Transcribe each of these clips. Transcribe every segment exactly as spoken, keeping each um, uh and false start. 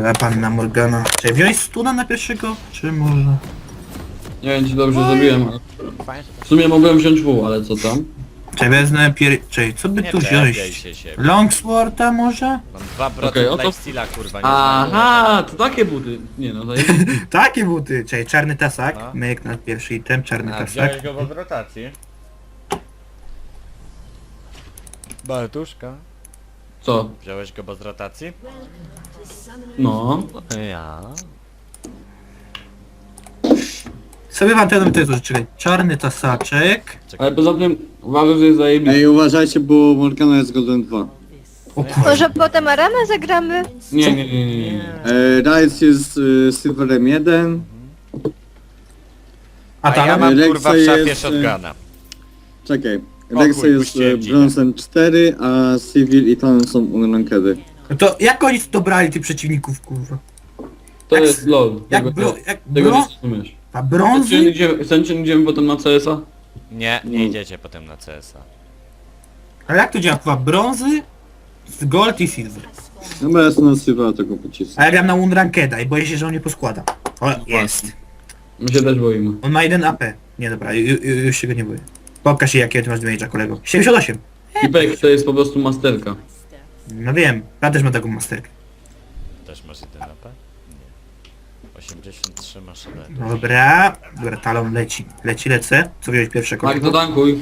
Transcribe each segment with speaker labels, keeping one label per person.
Speaker 1: Dobra, panna Morgana. Czy wziąłeś stuna na pierwszego? Czy może?
Speaker 2: Nie wiem czy dobrze zrobiłem, ale... W sumie mogłem wziąć W, ale co tam?
Speaker 1: Czy wezmę pier... Czy co by
Speaker 3: Nie
Speaker 1: tu
Speaker 3: czepiaj
Speaker 1: wziąć?
Speaker 3: się siebie.
Speaker 1: Longsworda może?
Speaker 3: Mam dwa
Speaker 2: Okej,
Speaker 3: procent
Speaker 2: oto-
Speaker 3: lifesteala, kurwa, nie
Speaker 2: Aha, to takie buty. Nie no, to jest...
Speaker 1: Takie buty. Czyli czarny tasak.
Speaker 3: No.
Speaker 1: Myk na pierwszy item, czarny
Speaker 3: A,
Speaker 1: tasak.
Speaker 3: wziąłeś go w rotacji? Bartuszka.
Speaker 2: Co?
Speaker 3: Wziąłeś go bez rotacji?
Speaker 2: No.
Speaker 3: Ja.
Speaker 1: Sobie wam ten to jest czekaj. Czarny tasaczek.
Speaker 2: Ale poza tym uważam, że jest zajebisty.
Speaker 4: Ej, uważajcie, bo Morgana jest Golden dwa.
Speaker 1: O kurwa.
Speaker 5: Może potem Aramę zagramy?
Speaker 2: Nie, nie, nie, nie, nie.
Speaker 4: E, Rice jest e, Silverem jeden.
Speaker 1: A
Speaker 3: A ja
Speaker 1: tam?
Speaker 3: mam
Speaker 4: Rexa
Speaker 3: kurwa w szafie
Speaker 4: jest,
Speaker 3: shotguna.
Speaker 4: Czekaj.
Speaker 3: O
Speaker 4: Rexa
Speaker 3: chuj,
Speaker 4: jest
Speaker 3: puściłem
Speaker 4: e,
Speaker 3: ci.
Speaker 4: brązem cztery, a Civil i Talon są unrankedy.
Speaker 1: No to jak oni dobrali tych przeciwników kurwa?
Speaker 2: To
Speaker 1: Jak-
Speaker 2: jest LOL.
Speaker 1: Jak
Speaker 2: Tego-
Speaker 1: bro... Jak
Speaker 2: Tego nie
Speaker 1: bro...
Speaker 2: zrozumiesz.
Speaker 1: A
Speaker 2: Chcecie
Speaker 1: brązy?
Speaker 2: idziemy, chcecie idziemy potem na C S a?
Speaker 3: Nie, nie idziecie potem na C S a.
Speaker 1: Ale jak to działa kurwa? Brązy? Z gold i silver.
Speaker 4: No bo ja jestem na Silvera tego pocisku.
Speaker 1: A ja gram na Unrankeda i boję się, że on nie poskłada. O, jest.
Speaker 2: My się też boimy.
Speaker 1: On ma jeden A P. Nie dobra, ju, ju, już się go nie boję. Pokaż się jakie ty masz damage'a kolego. siedemdziesiąt osiem.
Speaker 2: Pipek to jest po prostu masterka.
Speaker 1: No wiem, ja też mam taką masterkę.
Speaker 3: Też masz jeden A P? Nie. osiemdziesiąt trzy masz A P.
Speaker 1: Dobra, dobra, talon leci. Leci, lecę. Co wziąłeś pierwsze
Speaker 2: Tak,
Speaker 1: kolego?
Speaker 2: to tankuj.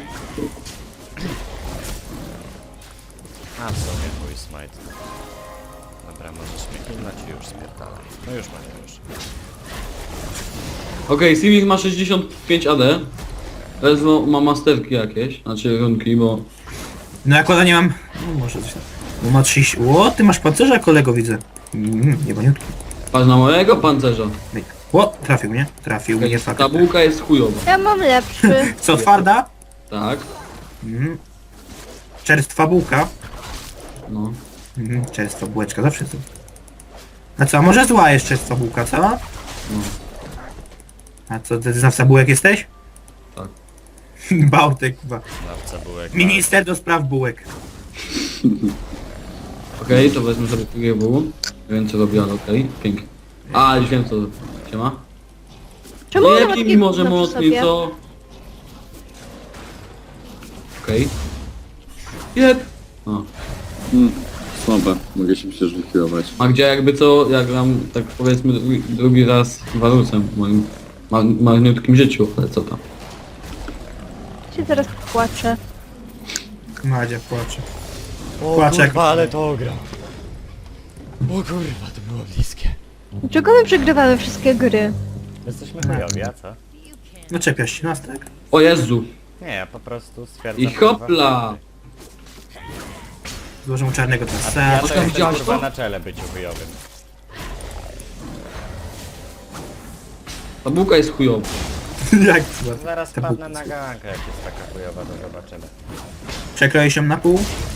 Speaker 3: A w sobie mój smite. Dobra, możesz mnie pilnać i już spierdalaj. No już mam już.
Speaker 2: Okej, okay, Civic ma sześćdziesiąt pięć A D. Ledwo ma masterki jakieś, znaczy runki, bo...
Speaker 1: No jak nie mam... No może coś tam. Bo ma trzydzieści... O, ty masz pancerza kolego widzę. Mm, niebaniutki.
Speaker 2: Patrz na mojego pancerza.
Speaker 1: Myk. O, trafił mnie. Trafił mnie, fakt.
Speaker 2: Ta bułka jest chujowa.
Speaker 5: Ja mam lepszy.
Speaker 1: Co, twarda?
Speaker 2: Tak,
Speaker 1: Mhm. Czerstwa bułka.
Speaker 2: no.
Speaker 1: Mhm, czerstwa bułeczka, zawsze to. A co, a może zła jest czerstwa bułka, co?
Speaker 2: No.
Speaker 1: A co, ty znawca bułek jesteś?
Speaker 2: Tak.
Speaker 1: Bałtek, chyba.
Speaker 3: Znawca bułek.
Speaker 1: Minister do spraw bułek.
Speaker 2: Okej, okay, to wezmę sobie G W. Nie wiem co robi, ale okej, okay. Pięknie. A, już wiem co się ma.
Speaker 5: Czemu
Speaker 2: Nie
Speaker 5: ona ma
Speaker 2: pij mi
Speaker 5: takie
Speaker 2: może
Speaker 5: gówno przy
Speaker 2: mocniej,
Speaker 5: sobie?
Speaker 2: co? Okej. Okay. Jep. O.
Speaker 4: Hmm, słabe, mogę się przecież wychylować.
Speaker 2: A gdzie jakby co, ja gram tak powiedzmy drugi, drugi raz Warusem w moim ma, marniutkim życiu, ale co tam.
Speaker 5: Się zaraz płaczę.
Speaker 1: Madzia płacze.
Speaker 3: O
Speaker 1: Płaczek.
Speaker 3: kurwa, ale to ogra. O kurwa, to było bliskie.
Speaker 5: Dlaczego my przegrywamy wszystkie gry?
Speaker 3: Jesteśmy chujowi, a co?
Speaker 1: No czepiasz się nas, tak?
Speaker 2: O Jezu!
Speaker 3: Nie, ja po prostu stwierdzam...
Speaker 2: I hopla!
Speaker 1: Złożę mu czarnego
Speaker 3: kurwa,
Speaker 1: tasa.
Speaker 3: Ja to
Speaker 2: Oskar,
Speaker 3: jestem
Speaker 2: widziałaś
Speaker 3: kurwa
Speaker 2: to?
Speaker 3: na czele byciu chujowym.
Speaker 2: Ta bułka jest chujowa.
Speaker 1: Jak to?
Speaker 3: Zaraz
Speaker 1: Ta
Speaker 3: padnę
Speaker 1: bułka.
Speaker 3: na gankę, jak jest taka chujowa, to zobaczymy.
Speaker 1: Przekroję się na pół.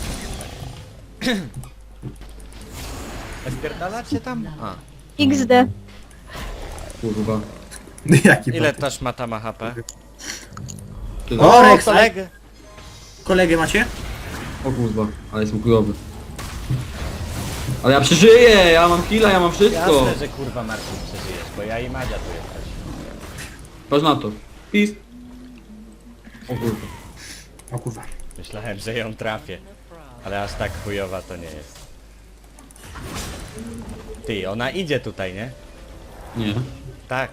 Speaker 3: Spierdalacie tam? A.
Speaker 5: iks de.
Speaker 2: Kurwa.
Speaker 1: Jaki
Speaker 3: Ile
Speaker 1: bałtek.
Speaker 3: ta szmata ma H P?
Speaker 2: Tyle.
Speaker 1: O, Rex,
Speaker 3: kolegę!
Speaker 1: kolegę macie?
Speaker 2: O kurwa, ale jestem chujowy. Ale ja przeżyję, ja mam killa, ja mam wszystko.
Speaker 3: Jasne, że kurwa Marcin przeżyjesz, bo ja i Madzia tu jesteś.
Speaker 2: Patrz na to. Pis. O kurwa.
Speaker 1: O kurwa.
Speaker 3: Myślałem, że ją trafię. Ale aż tak chujowa to nie jest. Ty, ona idzie tutaj, nie?
Speaker 2: Nie.
Speaker 3: Tak.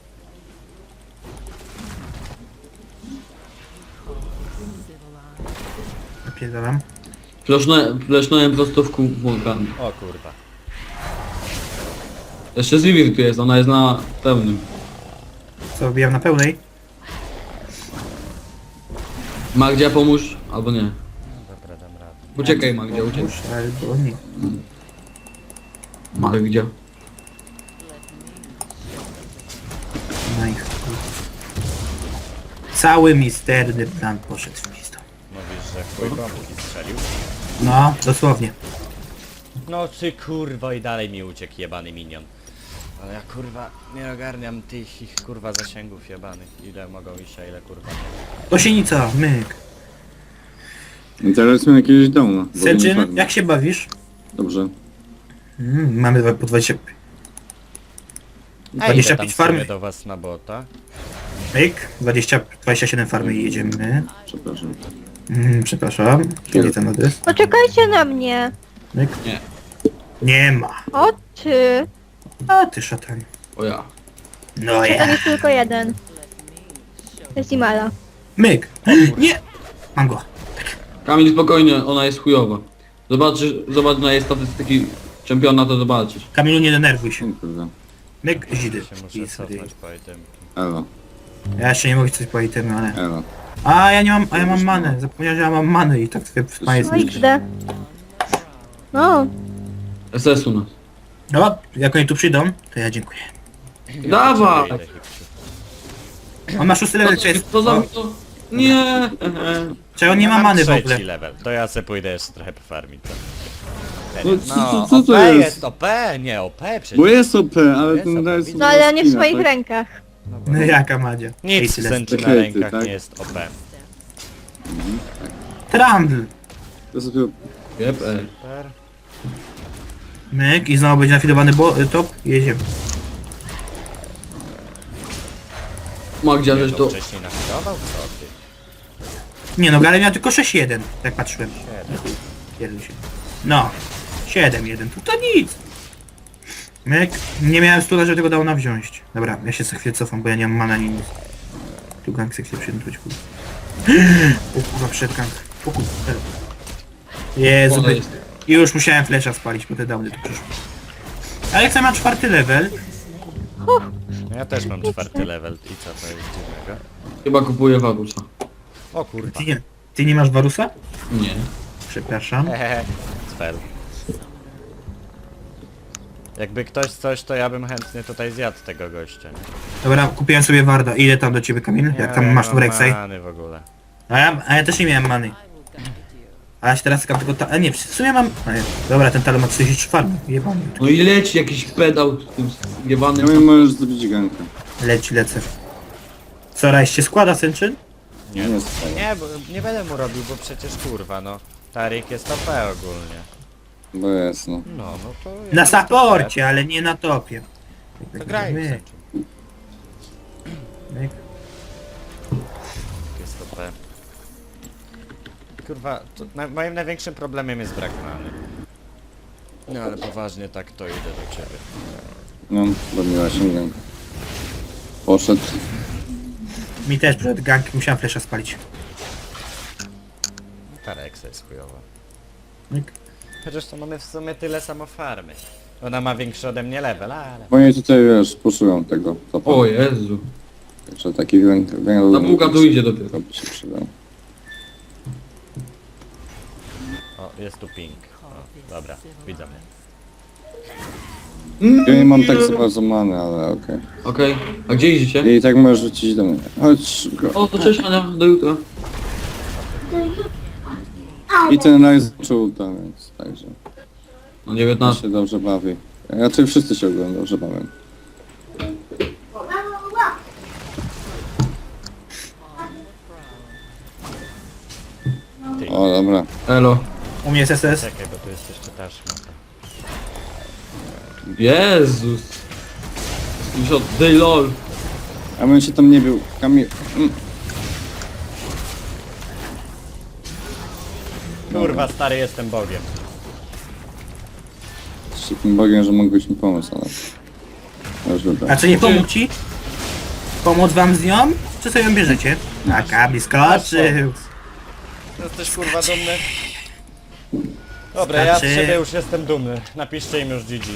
Speaker 1: Napierdalam.
Speaker 2: Flesznąłem, flesznąłem prosto w kół wulkanu.
Speaker 3: O kurwa.
Speaker 2: Jeszcze Zivir tu jest, ona jest na pełnym.
Speaker 1: Co, wbijam na pełnej?
Speaker 2: Magdzia pomóż, albo nie.
Speaker 3: No dobra, dam radę.
Speaker 2: Uciekaj Magdzia, uciekaj.
Speaker 1: Muszę, albo nie.
Speaker 2: Magdzia.
Speaker 1: No i chuj. Cały misterny plan poszedł w pizdu.
Speaker 3: Mówisz, że chuj bombki strzelił?
Speaker 1: No, dosłownie.
Speaker 3: No czy kurwa i dalej mi uciekł jebany minion. Ale ja kurwa nie ogarniam tych ich kurwa zasięgów jebanych. Ile mogą iść, a ile kurwa nie.
Speaker 1: Gosienica, myk.
Speaker 4: I teraz mam jakiegoś downa. bo nie
Speaker 1: Sęczyn,
Speaker 4: farmię.
Speaker 1: jak się bawisz?
Speaker 4: Dobrze.
Speaker 1: Mm, mamy dwa- po dwadzieścia
Speaker 3: A
Speaker 1: dwadzieścia
Speaker 3: idę tam
Speaker 1: pięć
Speaker 3: sobie
Speaker 1: farmy.
Speaker 3: do was na bota.
Speaker 1: Myk, dwadzieścia, dwadzieścia siedem farmy i jedziemy.
Speaker 4: Przepraszam.
Speaker 1: Mm, przepraszam. Kiedy ten adres?
Speaker 5: Poczekajcie na mnie.
Speaker 1: Myk.
Speaker 2: Nie.
Speaker 1: Nie ma.
Speaker 5: O ty.
Speaker 1: A ty szatan.
Speaker 2: O ja.
Speaker 1: No
Speaker 5: To
Speaker 1: ja.
Speaker 5: jest tylko jeden. To jest Imala.
Speaker 1: Myk. Nie. Mam go.
Speaker 2: Kamil, spokojnie, ona jest chujowa. Zobaczysz, zobacz na jej statystyki czempiona, to zobaczysz.
Speaker 1: Kamilu, nie denerwuj się.
Speaker 4: O kurde.
Speaker 1: Myk, zidy.
Speaker 3: Się muszę
Speaker 1: I sobie-
Speaker 3: cofnąć po item.
Speaker 4: Elo,
Speaker 1: Ja jeszcze nie mogę coś po itemy, ale...
Speaker 4: elo.
Speaker 1: A, ja nie mam, a ja mam manę. Zapomniałem, że ja mam many i tak sobie w jest
Speaker 5: No X D. No.
Speaker 2: S S u nas.
Speaker 1: No, jak oni tu przyjdą, to ja dziękuję.
Speaker 2: Dawaj!
Speaker 3: Idę, Hipciu.
Speaker 1: On ma szósty level, czy
Speaker 2: To,
Speaker 1: jest...
Speaker 2: to za...
Speaker 1: O,
Speaker 2: To... Nie! ehe.
Speaker 1: czy on nie
Speaker 3: Ja
Speaker 1: ma
Speaker 3: mam
Speaker 1: many w
Speaker 3: trzeci
Speaker 1: ogóle?
Speaker 3: level, to ja se pójdę jeszcze trochę pofarmić. co?
Speaker 4: No, co,
Speaker 3: No,
Speaker 4: co, co to
Speaker 3: O P
Speaker 4: jest?
Speaker 3: jest O P, nie O P przecież.
Speaker 4: Bo jest O P, ale
Speaker 3: Jest
Speaker 4: ten
Speaker 3: O P,
Speaker 4: raz...
Speaker 3: widzę.
Speaker 5: No ale nie w
Speaker 4: spina,
Speaker 5: swoich
Speaker 4: tak?
Speaker 5: rękach.
Speaker 1: No jaka Madzia?
Speaker 3: Nic
Speaker 1: Ej, tyle.
Speaker 3: sęczy na
Speaker 4: Hejty,
Speaker 3: rękach
Speaker 4: tak?
Speaker 3: nie jest O P.
Speaker 1: Trundle.
Speaker 4: To sobie...
Speaker 2: Jep, e.
Speaker 3: Super.
Speaker 1: Myk i znowu będzie nafidowany bo top. Jedziemy.
Speaker 2: Magdzia, żeś
Speaker 3: To
Speaker 2: to...
Speaker 3: wcześniej nafidował? Co ty?
Speaker 1: Nie no, Gale miał tylko sześć jeden, tak patrzyłem.
Speaker 3: Siedem.
Speaker 1: Pierdol się. No. siedem jeden, to, to nic. Myk, nie miałem stula, żeby tego dał wziąć. Dobra, ja się za chwilę cofam, bo ja nie mam mana ani nic. Tu gang se chce przyjąć, kurwa. O kurwa, przed gang. O kurwa, teraz. Jezu,
Speaker 2: Ona
Speaker 1: by...
Speaker 2: jest.
Speaker 1: I już musiałem flesza spalić, bo te downy tu przyszły. Aleksa ma czwarty level.
Speaker 3: No ja też mam czwarty level i co to jest dziwnego?
Speaker 2: Chyba kupuję Warusa.
Speaker 3: O kurwa.
Speaker 1: Ty nie, ty nie masz Warusa?
Speaker 2: Nie.
Speaker 1: Przepraszam.
Speaker 3: Hehehe. Cfel. Jakby ktoś coś, to ja bym chętnie tutaj zjadł tego gościa. nie?
Speaker 1: Dobra, kupiłem sobie Warda. Ile tam do ciebie, Kamil? Jak
Speaker 3: Ja
Speaker 1: tam
Speaker 3: nie
Speaker 1: masz
Speaker 3: mam
Speaker 1: tu Rek'Sai?
Speaker 3: many w ogóle.
Speaker 1: A ja, a ja też nie miałem many. A ja się teraz czekam tylko ta... A nie, w sumie mam... A nie, dobra, ten talon ma trzydzieści trzy farmy. Jebany.
Speaker 2: No i leci jakiś pedał z tym
Speaker 4: Ja
Speaker 2: zjebanym...
Speaker 4: mnie możesz zrobić gankę.
Speaker 1: Leci, lecę. Co, rajś się składa, Sęczyn?
Speaker 3: Nie,
Speaker 4: Nie staję.
Speaker 3: nie, bo nie będę mu robił, bo przecież kurwa, no. Tarik jest O P ogólnie.
Speaker 4: Bo jest, no.
Speaker 3: No, no to...
Speaker 1: Na
Speaker 3: jest
Speaker 1: saporcie, ale nie na topie.
Speaker 3: O P. To graj w
Speaker 1: Myk,
Speaker 3: Sęczyn.
Speaker 1: myk.
Speaker 3: Jest O P. Kurwa, to na, moim największym problemem jest brak many. No ale poważnie tak to idę do ciebie.
Speaker 4: No, robiła się gankę. Poszedł.
Speaker 1: Mi też przed gang musiałem flesza spalić.
Speaker 3: Ta Rexa jest chujowa.
Speaker 1: Myk.
Speaker 3: Chociaż to mamy w sumie tyle samo farmy. Ona ma większy ode mnie level, ale...
Speaker 4: Bo oni tutaj, wiesz, puszują tego. topa.
Speaker 2: O Jezu.
Speaker 4: Także taki węgiel...
Speaker 2: Ta bułka tu idzie dopiero.
Speaker 4: To by się przydał.
Speaker 3: O, jest tu ping. O, dobra, widzę mnie.
Speaker 4: Ja nie mam tak za bardzo many, ale okej.
Speaker 2: Okej. A gdzie idziecie?
Speaker 4: I tak możesz rzucić do mnie. Chodź go.
Speaker 2: O, to cześć Ania, do jutra.
Speaker 4: I ten raz zaczął tam, więc także.
Speaker 2: No
Speaker 4: Ja
Speaker 2: dziewiętnaście.
Speaker 4: się dobrze bawi. Raczej wszyscy się ogólnie dobrze bawią.
Speaker 3: Ty,
Speaker 4: O, dobra.
Speaker 2: Elo.
Speaker 1: U mnie jest S S.
Speaker 3: czekaj, bo tu jest jeszcze ta szmata.
Speaker 2: Jezus. Już od day lol.
Speaker 4: A bym się tam nie bił. Kamil... Mm.
Speaker 3: Kurwa, stary, jestem bogiem.
Speaker 4: Z takim bogiem, że mógłbyś mi pomóc, ale... Już
Speaker 1: A
Speaker 4: dobra.
Speaker 1: co, nie pomóc ci? Pomóc wam z nią? Czy sobie ją bierzecie? A Kamil skoczył.
Speaker 3: Jesteś kurwa dumny? Dobra, ja z
Speaker 1: Znaczy-
Speaker 3: siebie już jestem dumny. Napiszcie im już G G.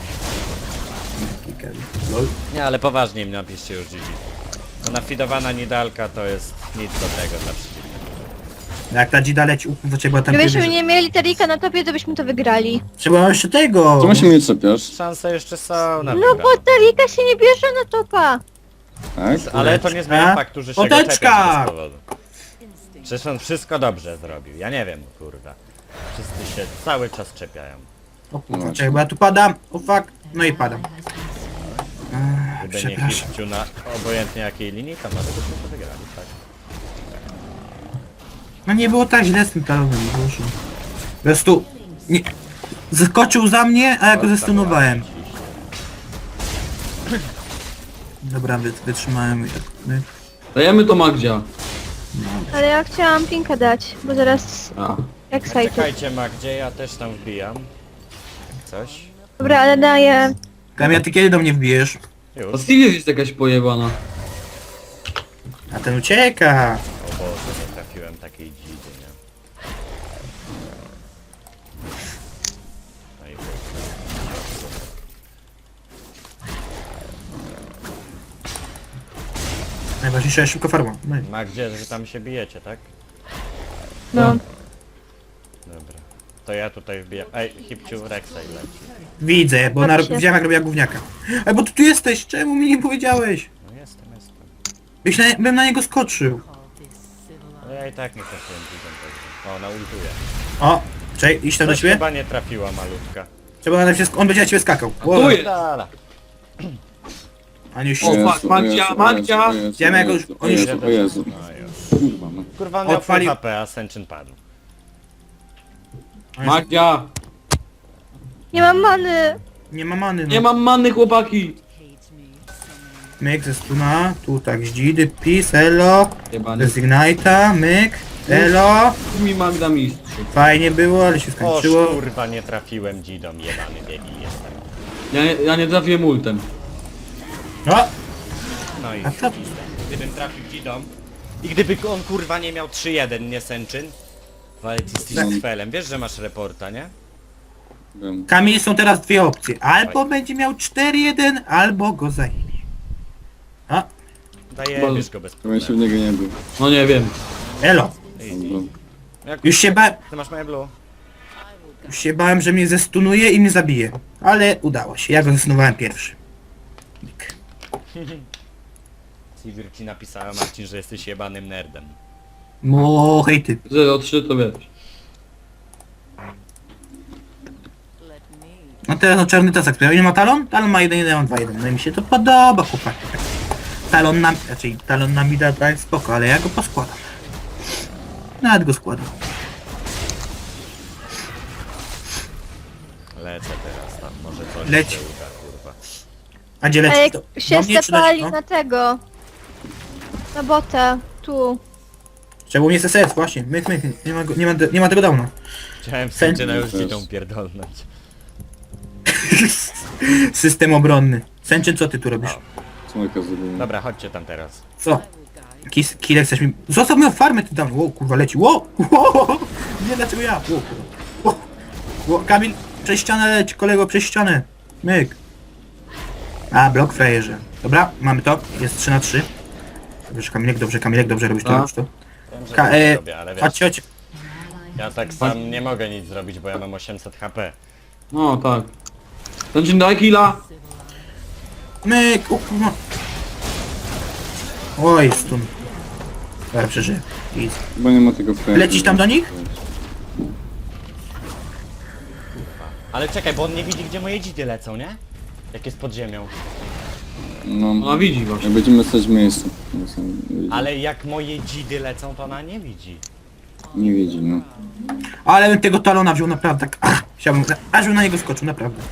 Speaker 1: Lol.
Speaker 3: Nie, ale poważnie im napiszcie już G G. Bo nafidowana nidalka to jest nic do tego dla przeciwnika.
Speaker 1: Jak ta dzida leci, u, to trzeba tam
Speaker 5: Gdybyśmy
Speaker 1: wybierze-
Speaker 5: nie mieli Tarika na topie, to byśmy to wygrali.
Speaker 1: Trzeba jeszcze tego.
Speaker 4: Czemu się mnie czepiasz?
Speaker 3: Szanse jeszcze są na
Speaker 5: No
Speaker 3: wygraną.
Speaker 5: bo Tarika się nie bierze na topa.
Speaker 4: Tak?
Speaker 3: Ale to nie zmienia faktu, że się go
Speaker 1: Poteczka!
Speaker 3: czepiasz bez powodu. Przecież on wszystko dobrze zrobił. Ja nie wiem, kurwa. Wszyscy się cały czas czepiają.
Speaker 1: O kurwa, czekaj, bo ja tu padam. O fuck. No i padam. Ech,
Speaker 3: Gdyby nie
Speaker 1: przepraszam.
Speaker 3: hipciu na obojętnie jakiej linii, to może byśmy to wygrali, tak?
Speaker 1: No nie było tak źle z tym talonem, Boże. Po prostu... Nie... Zaskoczył za mnie, a ja go zestunowałem. Dobra, wy, wytrzymałem i tak. My.
Speaker 2: Dajemy to Magdzia.
Speaker 5: Ale ja chciałam pinkę dać, bo zaraz
Speaker 2: A.
Speaker 5: excited.
Speaker 3: Czekajcie Magdzie, ja też tam wbijam. Coś.
Speaker 5: Dobra, ale daję...
Speaker 1: Kamia, ty kiedy do mnie wbijesz?
Speaker 2: A
Speaker 3: Już.
Speaker 2: Stevie jest jakaś pojebana.
Speaker 1: A ten ucieka.
Speaker 3: O Boże, nie trafiłem takiej dzidy, nie? No i chuj.
Speaker 1: Najważniejsza jest szybko farma. No i-
Speaker 3: Magdzie, że tam się bijecie, tak?
Speaker 5: No.
Speaker 3: Dobra. To ja tutaj wbijam. Ej, Hipciu, Rek'Sai leci.
Speaker 1: Widzę, bo na,
Speaker 5: Dobrze.
Speaker 1: widziałem jak robiła gówniaka. Ej, bo ty tu jesteś, czemu mi nie powiedziałeś?
Speaker 3: No jestem, jestem.
Speaker 1: Byś na, bym na niego skoczył.
Speaker 3: No ja i tak nie trafiłem dzidą pewnie. O, naultuję.
Speaker 1: O, czekaj, iść tam do
Speaker 3: Coś
Speaker 1: ciebie?
Speaker 3: chyba nie trafiła malutka.
Speaker 1: Trzeba na się sk- on będzie na ciebie skakał.
Speaker 2: tu
Speaker 1: Ło,
Speaker 2: jest.
Speaker 3: Dala.
Speaker 1: a nie już...
Speaker 2: O, fuck, Magdzia, Magdzia!
Speaker 1: Wiemy, jak już-
Speaker 4: O
Speaker 1: on już-
Speaker 4: Jezu, o Jezu.
Speaker 3: No już.
Speaker 4: Kurwa, no.
Speaker 3: Kurwa, on miał
Speaker 1: Odpalił-
Speaker 3: full H P, a Senczyn padł.
Speaker 2: Magdzia!
Speaker 5: Nie mam many!
Speaker 1: Nie ma many, no.
Speaker 2: Nie mam manny, chłopaki!
Speaker 1: Myk ze stuna, tu tak zdzidy, pis, elo,
Speaker 2: Jebany.
Speaker 1: bez ignite'a, myk, elo.
Speaker 2: Mi Magda mistrz.
Speaker 1: Fajnie było, ale się
Speaker 3: O
Speaker 1: skończyło.
Speaker 3: kurwa, nie trafiłem dzidą, jebany biegi jestem.
Speaker 2: Ja nie, ja nie trafiłem ultem.
Speaker 1: O,
Speaker 3: No i
Speaker 1: a co?
Speaker 3: gdybym trafił dzidą i gdyby on kurwa nie miał trzy jeden, nie Senczyn? Ale ty jesteś
Speaker 4: No.
Speaker 3: z felem, wiesz, że masz reporta, nie?
Speaker 4: Wiem.
Speaker 1: Kamil, są teraz dwie opcje. Albo
Speaker 3: Oj.
Speaker 1: będzie miał cztery jeden, albo go zajmie. A,
Speaker 3: Daję, bierz go bez
Speaker 4: Ja bym się w
Speaker 3: problemu.
Speaker 4: niego nie był.
Speaker 2: No nie wiem.
Speaker 1: elo.
Speaker 4: Albo...
Speaker 3: Jak
Speaker 1: Już się, ba
Speaker 3: ty masz moje blue?
Speaker 1: już się bałem, że mnie zestunuje i mnie zabije. Ale udało się, ja go zestunowałem pierwszy. Myk.
Speaker 3: Sivir ci napisała, Marcin, że jesteś jebanym nerdem.
Speaker 1: No, hej ty.
Speaker 2: zero trzy to wiesz.
Speaker 1: No teraz no czarny tasak, który nie ma talon? Talon ma jeden, jeden, ja mam dwa jeden. No i mi się to podoba, chłopaki. Talon na, raczej talon na mida to jest spoko, ale ja go poskładam. Nawet go składam.
Speaker 3: Lecę teraz tam, może coś
Speaker 1: Leć.
Speaker 3: się uda, kurwa.
Speaker 1: A gdzie
Speaker 5: A
Speaker 1: leci?
Speaker 5: jak
Speaker 1: To-
Speaker 5: się
Speaker 1: do mnie czy do-
Speaker 5: stepali
Speaker 1: no?
Speaker 5: na tego... Na bota, tu.
Speaker 1: Trzeba mnie S S S, właśnie. Myk, myk, nie ma, go, nie ma, nie ma tego downa.
Speaker 3: Chciałem
Speaker 1: Sen-
Speaker 3: Senczyna już
Speaker 4: Też.
Speaker 3: dzidą pierdolnąć.
Speaker 1: System obronny. Sęczyn, co ty tu robisz?
Speaker 4: Smoka zrobiłem.
Speaker 3: Dobra, chodźcie tam teraz.
Speaker 1: Co? Kis, Kilek chcesz mi... Zostaw moją farmę ty tam. Ło, kurwa leci. Ło, ło. Nie, dlaczego ja? Ło, ło. Ło, Kamil, przez ścianę leć, kolego, przez ścianę. Myk. A, blok frajerze. Dobra, mamy to. Jest trzy na trzy. Dobrze, Kamilek, dobrze, Kamilek, dobrze robisz to,
Speaker 2: A?
Speaker 1: robisz to.
Speaker 3: Wiem, że
Speaker 1: Ka
Speaker 3: tak
Speaker 1: e,
Speaker 3: robię, ale wiesz,
Speaker 1: chodźcie, chodźcie.
Speaker 3: ja tak sam nie mogę nic zrobić, bo ja mam osiemset H P.
Speaker 2: No tak. Znaczy daj killa.
Speaker 1: Myk, o kurwa. Oj, stun. Dobra, przeżyję. Easy.
Speaker 4: Chyba nie ma tego frame.
Speaker 1: Lecisz tam do nich?
Speaker 3: Ale czekaj, bo on nie widzi, gdzie moje dzidy lecą, nie? Jak jest pod ziemią.
Speaker 4: No,
Speaker 2: Ona widzi właśnie.
Speaker 4: jak będziemy stać w miejscu. No, sam nie widzi.
Speaker 3: Ale jak moje dzidy lecą, to ona nie widzi.
Speaker 4: Nie widzi, no.
Speaker 1: Ale bym tego talona wziął naprawdę tak. Ach, chciałbym, aż bym na niego skoczył, naprawdę.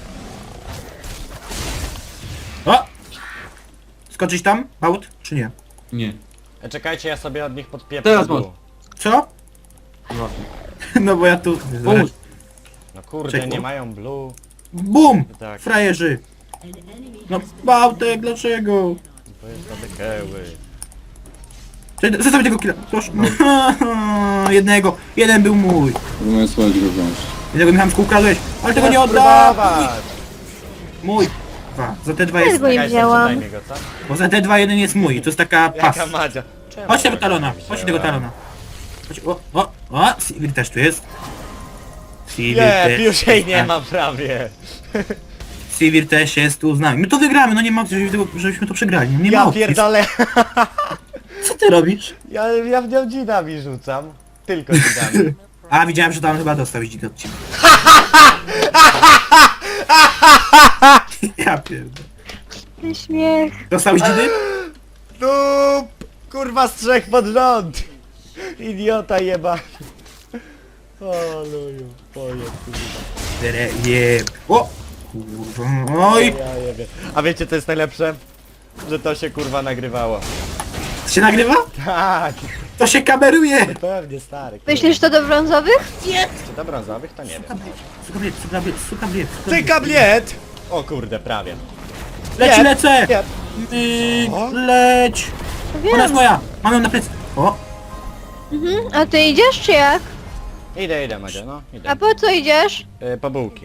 Speaker 1: O! Skoczyć tam? Out? Czy nie?
Speaker 2: Nie.
Speaker 3: E, czekajcie, ja sobie od nich podpieprzę.
Speaker 2: Teraz
Speaker 3: dół.
Speaker 2: masz.
Speaker 1: Co?
Speaker 2: Właśnie.
Speaker 1: No bo ja tu...
Speaker 2: Pomóż.
Speaker 3: No kurde,
Speaker 1: Czekaj.
Speaker 3: nie mają blue.
Speaker 1: Bum!
Speaker 3: Tak.
Speaker 1: Frajerzy! No Bałtek, dlaczego?
Speaker 3: To jest do keły.
Speaker 1: Czekaj, zostaw tego killa, proszę. Jednego, jeden był mój.
Speaker 4: Próbuję słuchać go wziąć.
Speaker 1: Jednego Michał ukradłeś, ale tego nie oddam! Mój. Dwa. Za te dwa
Speaker 5: Ja
Speaker 1: jest...
Speaker 5: go nie
Speaker 3: Czekaj,
Speaker 5: wzięłam.
Speaker 3: daj mi go, co?
Speaker 1: Bo za te dwa jeden jest mój, to jest taka pas.
Speaker 3: Jaka Madzia? Czemu
Speaker 1: Chodź tego
Speaker 3: go
Speaker 1: talona,
Speaker 3: nie
Speaker 1: chodź tego
Speaker 3: wzięła?
Speaker 1: talona. Chodź, o, o, o, Sivir też tu jest. Sivir
Speaker 3: Nie,
Speaker 1: też
Speaker 3: już jej
Speaker 1: jest,
Speaker 3: nie
Speaker 1: a,
Speaker 3: ma prawie.
Speaker 1: Sivir też jest tu z nami. My to wygramy, no nie ma opcji, żebyśmy to- żebyśmy to przegrali. No nie ma
Speaker 3: Ja
Speaker 1: opcji.
Speaker 3: pierdolę.
Speaker 1: Co ty robisz?
Speaker 3: Ja, ja w nią dzidami rzucam. Tylko dzidami.
Speaker 1: A, widziałem, że tam chyba dostał dzid od ciebie. Ja pierdolę.
Speaker 5: Ten śmiech.
Speaker 1: Dostał dzidy?
Speaker 3: Dup! Kurwa z trzech pod rząd! Idiota jeba. O luju, twoje kurwa.
Speaker 1: Jeb. O! Kurwa, oj!
Speaker 3: Ja jebie. A wiecie co jest najlepsze? że to się kurwa nagrywało.
Speaker 1: To się nagrywa?
Speaker 3: Tak,
Speaker 1: To się kameruje!
Speaker 3: pewnie stary. kurwa.
Speaker 5: Myślisz to do brązowych?
Speaker 3: Czy do brązowych? To nie wiem.
Speaker 1: Suka bliet, suka bliet, suka bliet, suka
Speaker 3: Ty
Speaker 1: bliet.
Speaker 3: kabliet! O kurde, prawie.
Speaker 1: Leci,
Speaker 3: Nie,
Speaker 1: lecę!
Speaker 3: nie.
Speaker 1: Myk,
Speaker 3: Co?
Speaker 1: leć!
Speaker 5: No
Speaker 1: Ona jest
Speaker 5: wiem.
Speaker 1: moja! Mam ją na plecy. O!
Speaker 5: Mhm. A ty idziesz czy jak?
Speaker 3: Idę, idę Madzia, no, idę.
Speaker 5: A po co idziesz?
Speaker 3: Y, po bułki.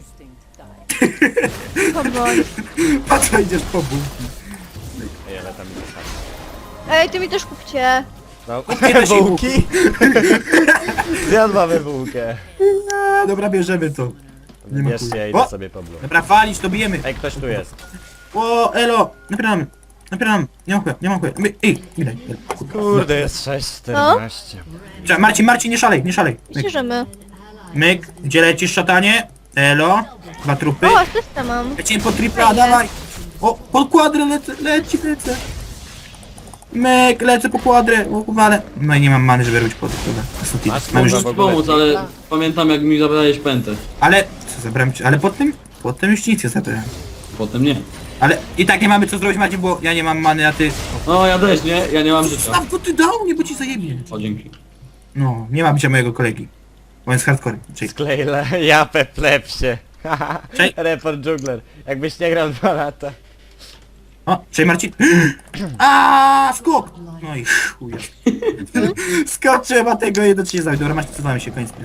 Speaker 5: Po broń.
Speaker 1: Po co idziesz po bułki?
Speaker 3: Ej, ale tam idę sam.
Speaker 5: Ej, ty mi też kupcie.
Speaker 3: No,
Speaker 1: też jej
Speaker 3: bułki? Zjadłamy bułkę.
Speaker 1: A, dobra, bierzemy to. Nie ma
Speaker 3: Bierzcie, ja
Speaker 1: chuja.
Speaker 3: idę
Speaker 1: O!
Speaker 3: sobie po bułkę.
Speaker 1: Dobra, walić, to bijemy.
Speaker 3: Ej, ktoś tu jest.
Speaker 1: O, elo! Napieramy. Napieramy. Nie mam chuja, nie mam chuja. My- Ej, widać.
Speaker 3: Kurde, jest sześć czternaście.
Speaker 1: Czekaj, Marcin, Marcin, nie szalej, nie szalej. Myk,
Speaker 5: Myślę, że my.
Speaker 1: myk. Gdzie lecisz, szatanie? Elo. Dwa trupy.
Speaker 5: O, asystę mam.
Speaker 1: Lecimy po tripla, dawaj! O, po kwadrę lecę, leci, lecę. Myk, lecę po kwadrę, o uwalę. No i nie mam many, żeby robić po tych, dobra. Ostatni.
Speaker 3: Masz
Speaker 1: Mam już,
Speaker 3: kurwa,
Speaker 2: Mogę ci pomóc, ale pamiętam jak mi zabrałeś pętę.
Speaker 1: ale, co zabrałem ci, ale pod tym, pod tym już nic nie zabrałem.
Speaker 2: Potem nie.
Speaker 1: Ale i tak nie mamy co zrobić, Macie, bo ja nie mam many, a ty...
Speaker 2: No ja też nie, ja nie mam życia.
Speaker 1: Staw, go ty dał mnie, bo ci zajebie.
Speaker 2: O, dzięki.
Speaker 1: No, nie ma bicia mojego kolegi. Bo on jest hardcore. Czyli,
Speaker 3: Sklejle, japę plepsie.
Speaker 1: Cześć.
Speaker 3: Report Jungler. Jakbyś nie grał dwa lata.
Speaker 1: o, czyli Marcin. A skok! No i chuja. Skok trzeba tego jednocześnie zabić. Dobra, Marcin, cofamy się, koniec.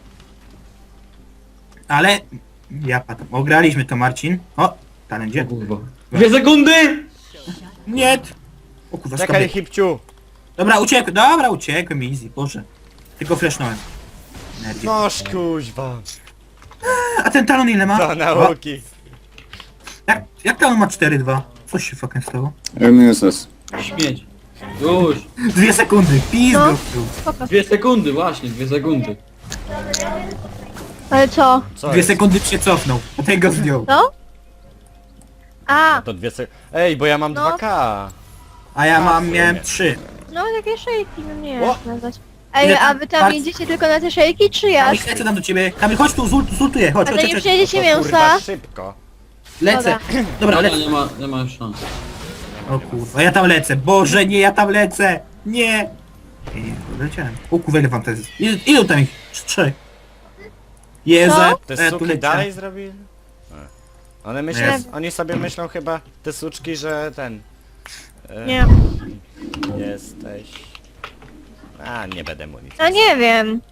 Speaker 1: Ale... Ja patam. Ograliśmy to, Marcin. O, talent
Speaker 2: O
Speaker 1: gdzie?
Speaker 2: kurwa. Dwie sekundy!
Speaker 1: Nie! O kurwa,
Speaker 3: Czekaj,
Speaker 1: skok.
Speaker 3: hipciu.
Speaker 1: Dobra, uciekłem, dobra, uciekłem, easy, boże. Tylko flashnąłem. Energię.
Speaker 3: Noż kuźwa.
Speaker 1: A ten talon ile ma?
Speaker 3: Do
Speaker 1: O,
Speaker 3: nauki.
Speaker 1: jak, jak talon ma cztery dwa? Coś się fucking stało?
Speaker 4: M S S.
Speaker 2: Śmieć. Już.
Speaker 1: Dwie sekundy, pizdo.
Speaker 5: No. Spoko.
Speaker 2: Dwie sekundy, właśnie, dwie sekundy.
Speaker 5: Ale co?
Speaker 3: Co
Speaker 1: Dwie
Speaker 3: jest?
Speaker 1: sekundy się cofnął, a ten go zdjął.
Speaker 5: Co? A,
Speaker 3: To dwie sek... Ej, bo ja mam
Speaker 5: No.
Speaker 3: dwa K.
Speaker 1: A ja mam,
Speaker 3: w
Speaker 1: miałem
Speaker 3: sumie.
Speaker 1: trzy.
Speaker 5: no takie szejki, no nie
Speaker 3: O!
Speaker 5: jak nazwać. Ej,
Speaker 1: Ile
Speaker 5: a
Speaker 1: tam
Speaker 5: wy tam
Speaker 1: part-
Speaker 5: jedziecie tylko na te szejki, czy jak?
Speaker 1: Kamil, lecę tam do ciebie. Kamil, chodź tu, zult, zultuję, chodź,
Speaker 5: A
Speaker 1: chodź,
Speaker 5: to
Speaker 1: chodź,
Speaker 5: już
Speaker 1: chodź.
Speaker 5: jedziecie
Speaker 3: To kurwa
Speaker 5: mięsa?
Speaker 3: szybko.
Speaker 1: Lecę. Dobra,
Speaker 2: Dobra,
Speaker 1: lecę.
Speaker 2: nie ma, nie ma już szans.
Speaker 1: O kurwa, ja tam lecę. Boże, nie, ja tam lecę. Nie. Nie, nie, leciałem. O kurwa, ile wam to jest? Ile, ile tam ich? Trzech. Jezu,
Speaker 5: Co?
Speaker 3: Te
Speaker 1: ja tu
Speaker 3: suki
Speaker 1: leciałem.
Speaker 3: dalej zrobili? A. One myślą,
Speaker 1: Nie.
Speaker 3: oni sobie myślą chyba, te suczki, że ten... e,
Speaker 5: Nie.
Speaker 3: Jesteś... A, nie będę mu nic.
Speaker 5: No nie wiem.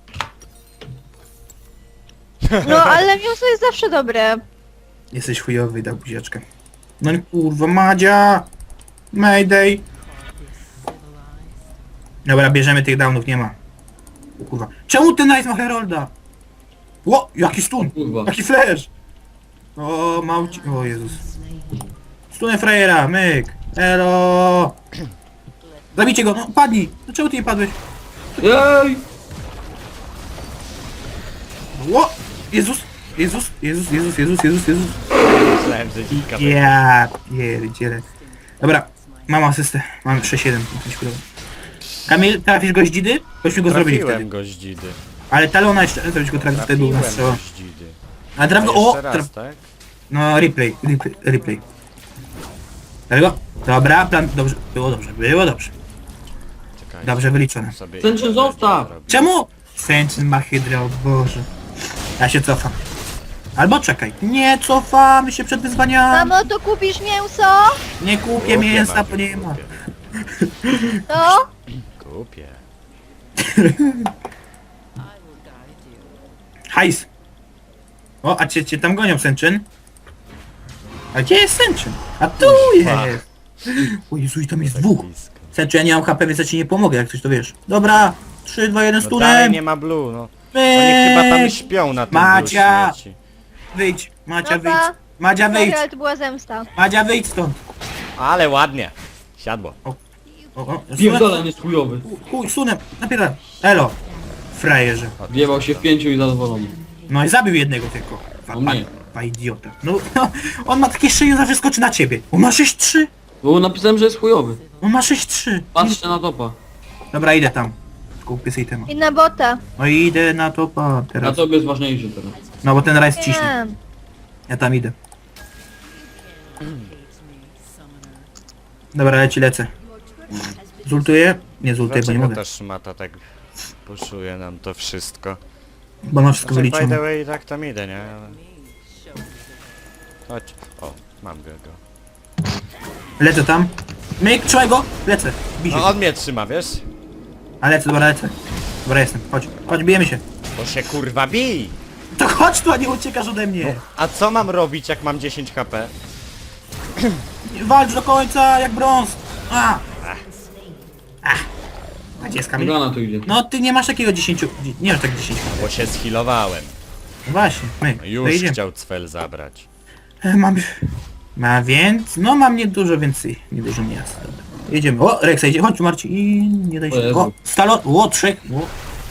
Speaker 5: No ale mięso jest zawsze dobre.
Speaker 1: Jesteś chujowy, dał buziaczkę. No i kurwa, Madzia! Mayday! Dobra, bierzemy tych downów, nie ma. O kurwa. Czemu ten Nice ma Herolda? Ło, jaki stun!
Speaker 2: Kurwa.
Speaker 1: Jaki flash! O, małci... O Jezus. Stunę frajera, myk! Elo! Zabijcie go, no padnij! No czemu ty nie padłeś?
Speaker 2: Jej!
Speaker 1: Ło! Jezus! Jezus! Jezus, Jezus, Jezus, Jezus, Jezus!
Speaker 3: Myślałem, że dzika.
Speaker 1: Ja pierdzielę. Dobra, mam asystę. Mam sześć jeden. Kamil, trafisz goździdy? Bośmy go zrobili wtedy.
Speaker 3: Trafiłem goździdy.
Speaker 1: Ale talona jeszcze, żebyś go trafił, wtedy był na
Speaker 3: Trafiłem
Speaker 1: strzał.
Speaker 3: goździdy.
Speaker 1: A traf
Speaker 3: A
Speaker 1: go, o!
Speaker 3: jeszcze
Speaker 1: Traf,
Speaker 3: raz, tak?
Speaker 1: no replay, replay, replay. Dlatego? Dobra, plan, dobrze, było dobrze, było dobrze.
Speaker 3: Czekaj.
Speaker 1: Dobrze wyliczone.
Speaker 3: Sobie
Speaker 2: Sęczyn, zostaw!
Speaker 1: Czemu? Sęczyn ma hydrę, o Boże. Ja się cofam. Albo czekaj. Nie cofamy się przed wyzwaniami.
Speaker 5: Mamo, to kupisz mięso?
Speaker 1: Nie kupię
Speaker 3: Kupię,
Speaker 1: mięsa,
Speaker 3: Maciu,
Speaker 1: bo nie ma.
Speaker 3: kupię.
Speaker 5: No?
Speaker 3: Kupię.
Speaker 1: Hajs. O, a cię, cię tam gonią, Sęczyn? A gdzie jest Sęczyn? A tu jest! O Jezu, i tam jest dwóch.
Speaker 3: Blisko.
Speaker 1: Sęczyn, ja nie mam H P, więc ja ci nie pomogę, jak coś to wiesz. Dobra, trzy, dwa, jeden,
Speaker 3: No dalej
Speaker 1: stunem.
Speaker 3: nie ma blue, no. Oni chyba tam
Speaker 1: Myk.
Speaker 3: śpią na tym
Speaker 1: Macia!
Speaker 3: blue śmieci.
Speaker 1: Wyjdź, Macia, wyjdź.
Speaker 5: Dobra.
Speaker 1: Madzia, wyjdź.
Speaker 5: Sorry, ale to była zemsta.
Speaker 1: Madzia, wyjdź stąd.
Speaker 3: Ale ładnie. Siadło.
Speaker 1: O, o,
Speaker 2: Pierdolem jest chujowy.
Speaker 1: Chuj, sunem, napierdam. Elo. Frajerze.
Speaker 2: Wjebał się w pięciu i zadowolony.
Speaker 1: No i zabił jednego tylko. Pa,
Speaker 2: O
Speaker 1: pa,
Speaker 2: nie.
Speaker 1: pa idiota. No, no, on ma takie szyję, zawsze skoczy na ciebie. On ma sześć trzy.
Speaker 2: Bo napisałem, że jest chujowy.
Speaker 1: On ma sześć trzy.
Speaker 2: Patrzcie na topa.
Speaker 1: Dobra, idę tam. Kupię sobie tema.
Speaker 5: I na bota.
Speaker 1: No i idę na topa
Speaker 2: Na
Speaker 1: teraz.
Speaker 2: tobie jest ważniejszy teraz.
Speaker 1: No bo ten rajs ciśnie.
Speaker 5: Nie.
Speaker 1: Ja tam idę. Dobra, leci, lecę. Zultuję? Nie zultuję, bo nie
Speaker 3: Dlaczego
Speaker 1: mogę.
Speaker 3: ta szmata tak puszuje nam to wszystko?
Speaker 1: Bo mam wszystko
Speaker 3: Znaczy, by the
Speaker 1: wyliczone.
Speaker 3: way, tak tam idę, nie? Ale... Chodź. O, mam go. go.
Speaker 1: Lecę tam. Myk, trzymaj go! Lecę. Bij się.
Speaker 3: No on mnie trzyma, wiesz?
Speaker 1: A lecę, dobra, lecę. Dobra, jestem. Chodź, chodź, bijemy się.
Speaker 3: Bo się kurwa bij!
Speaker 1: To chodź tu, a nie uciekasz ode mnie.
Speaker 3: A co mam robić, jak mam dziesięć HP?
Speaker 1: Walcz do końca, jak brąz. A! Ach. A gdzie jest Kamil?
Speaker 2: Morgana tu idzie.
Speaker 1: No ty nie masz takiego dziesięć... Nie masz tak dziesięć.
Speaker 3: Bo się schilowałem.
Speaker 1: No właśnie, my.
Speaker 3: No już
Speaker 1: Wyjdziemy.
Speaker 3: chciał cfel zabrać.
Speaker 1: E, Mam... Ma więc... No mam nie dużo więcej. Nie dużo miasta. Jedziemy. O, Rexa idzie. Chodź tu, Marcin. I nie daj
Speaker 2: O
Speaker 1: się.
Speaker 2: Jezu.
Speaker 1: O, Stalo. O, trzech. O.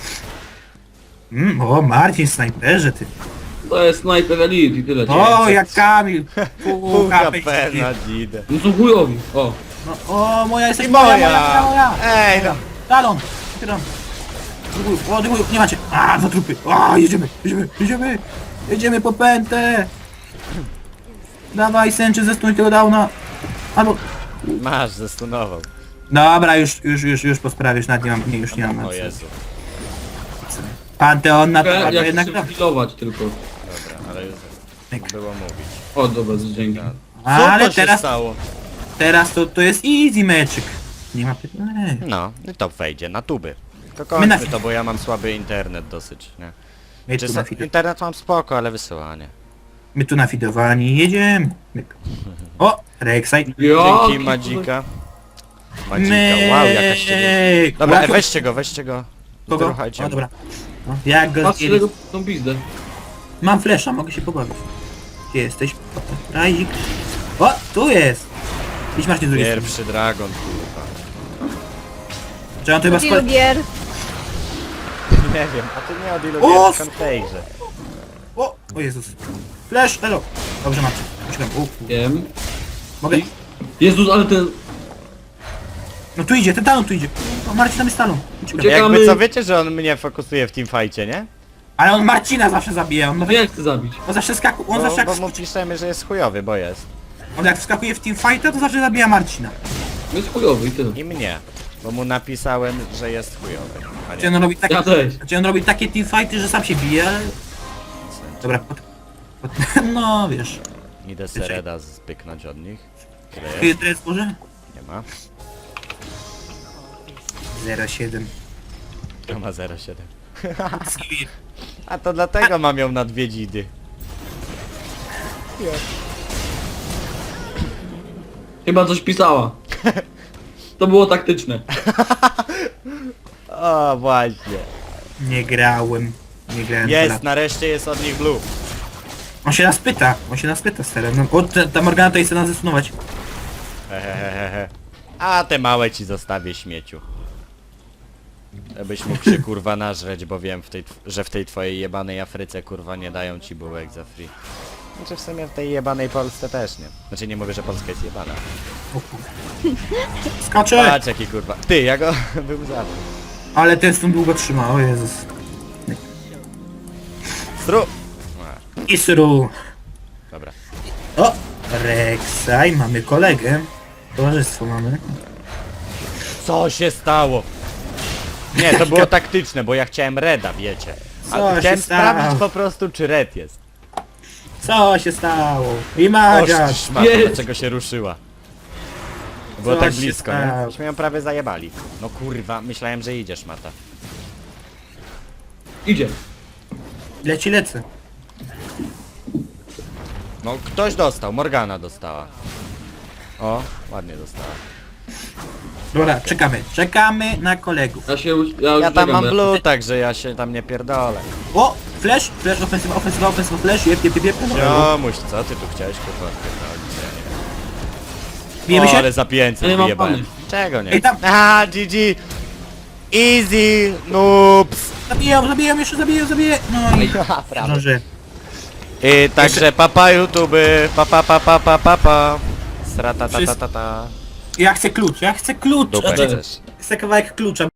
Speaker 1: Mm, o, Marcin, snajperze ty.
Speaker 2: To jest Sniper Elite i tyle.
Speaker 1: O, jak Kamil. Pół
Speaker 3: Pół
Speaker 1: H
Speaker 3: H
Speaker 1: P.
Speaker 3: P na dzidę.
Speaker 2: No są chujowi. O.
Speaker 1: No, o, moja jesteś
Speaker 3: I
Speaker 1: moja,
Speaker 3: moja!
Speaker 1: moja, moja.
Speaker 3: Ej no!
Speaker 1: Talon. Talon. Druguj, o, druguj, nie macie. A, dwa trupy. O, jedziemy, jedziemy, jedziemy. Jedziemy po pętę. Dawaj, Sęczy, zestuj tego downa. Albo...
Speaker 3: Masz, zestunował.
Speaker 1: Dobra, już, już, już, już po sprawie, już nawet nie mam, nie, już nie mam.
Speaker 3: O Jezu.
Speaker 1: Panteon na to,
Speaker 2: Ja,
Speaker 1: a to
Speaker 2: ja
Speaker 1: jednak
Speaker 2: chcę
Speaker 1: to.
Speaker 2: healować tylko.
Speaker 3: Dobra, ale już było mówić.
Speaker 2: O, dobra, dzięki.
Speaker 3: Co
Speaker 1: Ale
Speaker 3: to się
Speaker 1: teraz,
Speaker 3: stało?
Speaker 1: teraz to, to jest easy meczyk. Nie ma pytań.
Speaker 3: No, i to wejdzie na tuby. To
Speaker 1: My na-
Speaker 3: kończmy to, bo ja mam słaby internet dosyć, nie?
Speaker 1: My
Speaker 3: Czy
Speaker 1: tu,
Speaker 3: sa-
Speaker 1: nafide-
Speaker 3: internet mam spoko, ale wysyłanie.
Speaker 1: my tu nafidowani, jedziemy. Myk. O, Rek'Sai.
Speaker 2: Ja,
Speaker 3: Dzięki Madzika. Madzika, wow, jakaś ciebie.
Speaker 1: Myk.
Speaker 3: Dobra,
Speaker 1: Łapie-
Speaker 3: weźcie go, weźcie go.
Speaker 1: Kogo?
Speaker 3: Ruchajcie
Speaker 1: O,
Speaker 3: mu.
Speaker 1: dobra. No, jak go
Speaker 2: Patrz
Speaker 1: zjedli?
Speaker 2: tego tą pizdę.
Speaker 1: Mam flesza, mogę się pobawić. Gdzie jesteś? Razik. O, tu jest. Idź masz nie z drugiej strony.
Speaker 3: Pierwszy dragon, kurwa.
Speaker 1: Czy on to chyba
Speaker 5: Ilu
Speaker 1: skład...
Speaker 5: gier?
Speaker 3: Nie wiem, a ty nie od ilu
Speaker 1: O,
Speaker 3: gier w Counterze.
Speaker 1: O, o Jezus. Flash, elo. Dobrze macie. Uciekam. U, u.
Speaker 2: Wiem.
Speaker 1: Mogę?
Speaker 2: Jezus, ale ten...
Speaker 1: No tu idzie, ten talon tu idzie. O, Marcin tam jest talon. Uciekam.
Speaker 2: Uciekamy.
Speaker 3: Jakby co, wiecie, że on mnie fokusuje w teamfajcie, nie?
Speaker 1: Ale on Marcina zawsze zabija. On,
Speaker 2: Ja chcę zabić.
Speaker 1: on zawsze skakuje, on
Speaker 3: Bo,
Speaker 1: zawsze jak,
Speaker 3: bo mu piszemy, że jest chujowy, bo jest.
Speaker 1: on jak wskakuje w teamfighta, to zawsze zabija Marcina.
Speaker 2: No jest chujowy i tyle.
Speaker 3: I mnie. Bo mu napisałem, że jest chujowy. A
Speaker 1: Gdzie
Speaker 3: nie.
Speaker 1: on robi takie,
Speaker 2: Ja też.
Speaker 1: gdzie on robi takie teamfighty, że sam się bije, ale... Dobra, pod, pod, no wiesz.
Speaker 3: Idę Sereda zbyknąć od nich. Tyle
Speaker 1: Tu
Speaker 3: jest?
Speaker 1: jest może?
Speaker 3: Nie ma.
Speaker 1: zero siedem.
Speaker 3: To ma zero siedem. A to dlatego mam ją na dwie dzidy.
Speaker 2: Chyba coś pisała. To było taktyczne.
Speaker 3: O, właśnie.
Speaker 1: Nie grałem. Nie grałem.
Speaker 3: Jest,
Speaker 1: Jest.
Speaker 3: nareszcie jest od nich blue.
Speaker 1: On się nas pyta, on się nas pyta stary. No, o, ta, ta Morgana to chce nas zesunować.
Speaker 3: Hehehehe. A te małe ci zostawię, śmieciu. Żebyś mógł się kurwa nażreć, bo wiem, w tej, tw- że w tej twojej jebanej Afryce kurwa nie dają ci bułek za free. Znaczy w sumie w tej jebanej Polsce też nie. Znaczy nie mówię, że Polska jest jebana.
Speaker 1: O kurde. Skacze!
Speaker 3: Patrz jaki kurwa. Ty, ja go bym zabił.
Speaker 1: Ale ten stąd długo trzyma, o Jezus.
Speaker 3: Stru!
Speaker 1: Isru.
Speaker 3: Dobra.
Speaker 1: O! Rek'Sai, mamy kolegę. Towarzystwo mamy.
Speaker 3: Co się stało? Nie, to było taktyczne, bo ja chciałem Reda, wiecie.
Speaker 1: Co
Speaker 3: A
Speaker 1: się
Speaker 3: chciałem
Speaker 1: stało?
Speaker 3: sprawdzić po prostu, czy Red jest.
Speaker 1: Co się stało? I
Speaker 3: Oż
Speaker 1: Magia!
Speaker 3: ty szmato,
Speaker 2: Jest.
Speaker 3: dlaczego się ruszyła? Było
Speaker 1: Co
Speaker 3: tak
Speaker 1: się
Speaker 3: blisko, nie?
Speaker 1: stało?
Speaker 3: Myśmy ją prawie zajebali. No kurwa, myślałem, że idziesz, Mata.
Speaker 2: Idzie.
Speaker 1: Leci lecę.
Speaker 3: No ktoś dostał, Morgana dostała. O, ładnie dostała.
Speaker 1: Dobra, czekamy. Czekamy na kolegów.
Speaker 2: Ja się... Ja, już
Speaker 3: Ja tam
Speaker 2: czekam,
Speaker 3: mam
Speaker 2: bo-
Speaker 3: blue, także ja się tam nie pierdolę.
Speaker 1: O! Flash! Flash, ofensywa, ofensywa, ofensywa, flash. Jep, jep, jep, jep.
Speaker 3: Ziomuś, co ty tu chciałeś kurwa odpierdolić? Ja nie wiem.
Speaker 1: Bijemy
Speaker 3: O,
Speaker 1: się?
Speaker 3: ale za pięćset
Speaker 2: Ja nie mam
Speaker 3: wyjebałem.
Speaker 2: pany.
Speaker 3: Czego nie?
Speaker 1: Ej, tam-
Speaker 3: Aha, G G! Easy, noobs!
Speaker 1: Zabiję, zabiję, jeszcze zabiję, zabiję. No i...
Speaker 3: Prawda.
Speaker 1: Zdąży.
Speaker 3: I także papa YouTube, papa papa papa papa. Srata ta ta ta ta.
Speaker 1: Ja chcę klucz, ja chcę klucz.
Speaker 3: Dupę
Speaker 1: Znaczy,
Speaker 3: chcesz.
Speaker 1: chcę kawałek klucza.